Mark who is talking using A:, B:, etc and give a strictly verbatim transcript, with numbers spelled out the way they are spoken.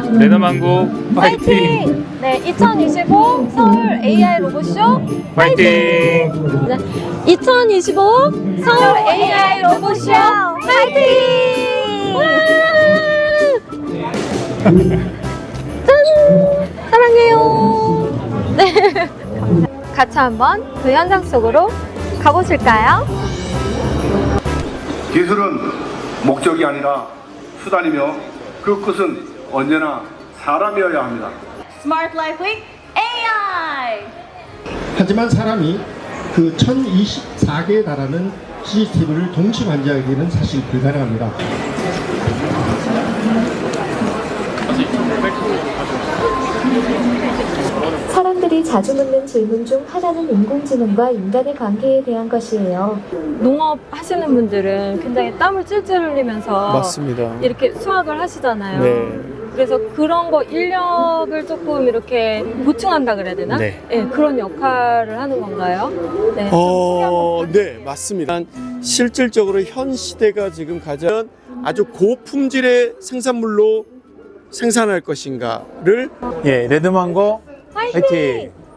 A: 레더망고 파이팅!
B: 네, 이천이십오 서울 에이아이 로봇쇼
A: 파이팅!
B: 네, 이천이십오 서울 에이아이 로봇쇼 파이팅! 와! 짠! 사랑해요. 네, 같이 한번 그 현장 속으로 가보실까요?
C: 기술은 목적이 아니라 수단이며 그 끝은 언제나 사람이어야 합니다.
D: Smart Life Week 에이아이.
E: 하지만 사람이 그 천이십사 개에 달하는 씨씨티비를 동시 관리하기는 사실 불가능합니다.
F: 사람들이 자주 묻는 질문 중 하나는 인공지능과 인간의 관계에 대한 것이에요.
B: 농업 하시는 분들은 굉장히 땀을 찔찔 흘리면서
A: 맞습니다.
B: 이렇게 수확을 하시잖아요.
A: 네.
B: 그래서 그런 거 인력을 조금 이렇게 보충한다 그래야 되나?
G: 네.
B: 그런 역할을 하는 건가요? 네.
G: 어, 네, 맞습니다. 실질적으로 현 시대가 지금 가장 아주 고품질의 생산물로 생산할 것인가를
A: 예, 레드망고
B: 화이팅!
A: 파이팅!